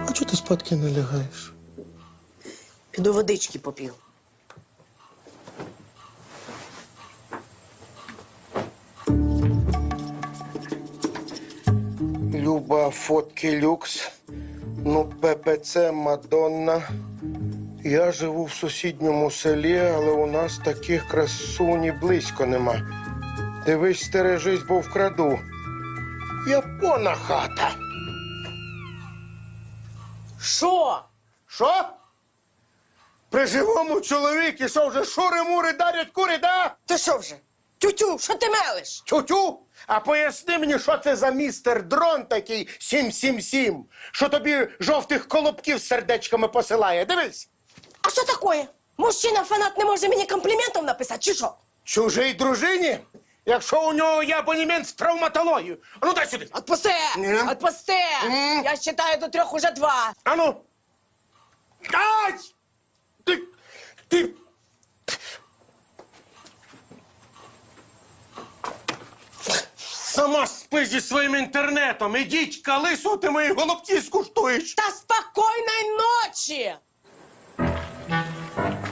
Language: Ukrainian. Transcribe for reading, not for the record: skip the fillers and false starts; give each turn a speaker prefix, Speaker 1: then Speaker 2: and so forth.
Speaker 1: А чого ти спадки не лягаєш?
Speaker 2: Піду водички поп'ю.
Speaker 1: Люба, фотки люкс. Ну, ППЦ, Мадонна. Я живу в сусідньому селі, але у нас таких красуні близько нема. Дивись, стережись, бо вкраду. Япона хата.
Speaker 2: Що?
Speaker 1: Що? При живому чоловіки, що вже шури-мури дарять кури, да?
Speaker 2: Ти що вже? Тютю, що ти мелиш?
Speaker 1: Тю-тю. А поясни мені, що це за містер дрон такий 777, що тобі жовтих колобків з сердечками посилає. Дивись.
Speaker 2: А що таке? Мужчина-фанат не може мені компліментів написати, чи що?
Speaker 1: Чужій дружині? Якщо у нього є абонемент в травматологію. А ну дай сюди.
Speaker 2: Отпусти!
Speaker 1: Ні.
Speaker 2: Отпусти! Я считаю до 3 уже 2.
Speaker 1: А ну. Ай! Ти... Сама спи зі своїм інтернетом. Ідіть, калису, ти мої голубці скуштуєш.
Speaker 2: Та спокійної ночі!